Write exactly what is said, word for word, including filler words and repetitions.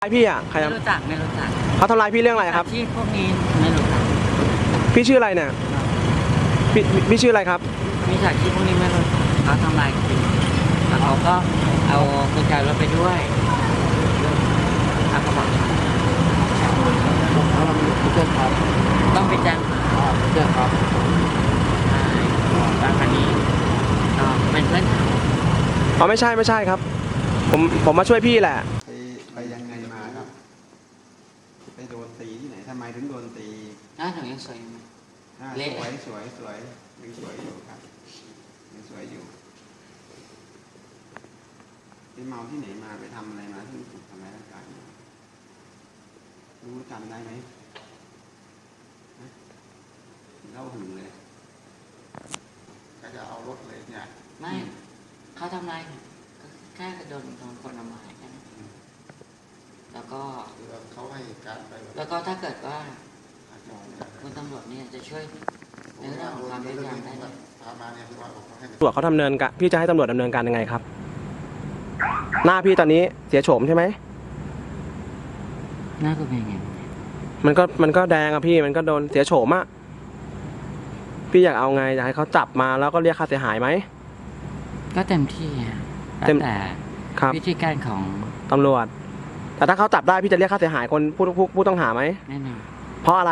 พี่อ่ะใครไม่ทำรู้จักไม่รู้จักเขาทำร้ายพี่เรื่องอะไรครับที่พวกนี้ไม่รู้จักพี่ชื่ออะไรเนี่ยพี่พี่ชื่ออะไรครับมีฉากที่พวกนี้ไม่รู้จักเขาทำลายจริงแล้วเขาก็เอากุญแจรถไปด้วยแล้วก็บอกเรามีผู้เชี่ยวชาญต้องไปแจ้งผู้เชี่ยวชาญบางคดีก็เป็นเพื่อนเขาอ๋อไม่ใช่ไม่ใช่ครับ ผมผมมาช่วยพี่แหละไปไปยังไงมาครับ ไปโดนตีที่ไหนทำไมถึงโดนตีหน้าหนูยังสวยอยู่ไหมอ่าเละสวยสวยสวยยังสวยอยู่ครับยังสวยอยู่ไปเมาที่ไหนมาไปทำอะไรมาที่ถูกทำร้ายร่างกายรู้จำได้ไหมฮะเล่าหึงเลยก็จะเอารถเลยเนี่ยไม่เขาทำลายก็แค่โดนโดนคนทำลายแค่นั้นแล้วก็คือเขาให้การไปแบบแล้วก็ถ้าเกิดว่าอาจจะไม่คุณตำรวจเนี่ยจะช่วยในเรื่องของความยุติธรรมได้ไหมพามาเนี่ยคือว่าเขาให้ตำรวจเขาดำเนินการพี่จะให้ตำรวจดำเนินการยังไงครับ หน้าพี่ตอนนี้เสียโฉมใช่ไหมน่าจะเป็นไงมันก็มันก็แดงอะพี่มันก็โดนเสียโฉมอะพี่อยากเอาไงอยากให้เขาจับมาแล้วก็เรียกค่าเสียหายไหมก็เต็มที่อะเต็มแต่ครับวิธีการของตำรวจ แต่ถ้าเขาจับได้พี่จะเรียกค่าเสียหายคนผู้ผู้ผู้ต้องหาไหมแน่นอนเพราะอะไร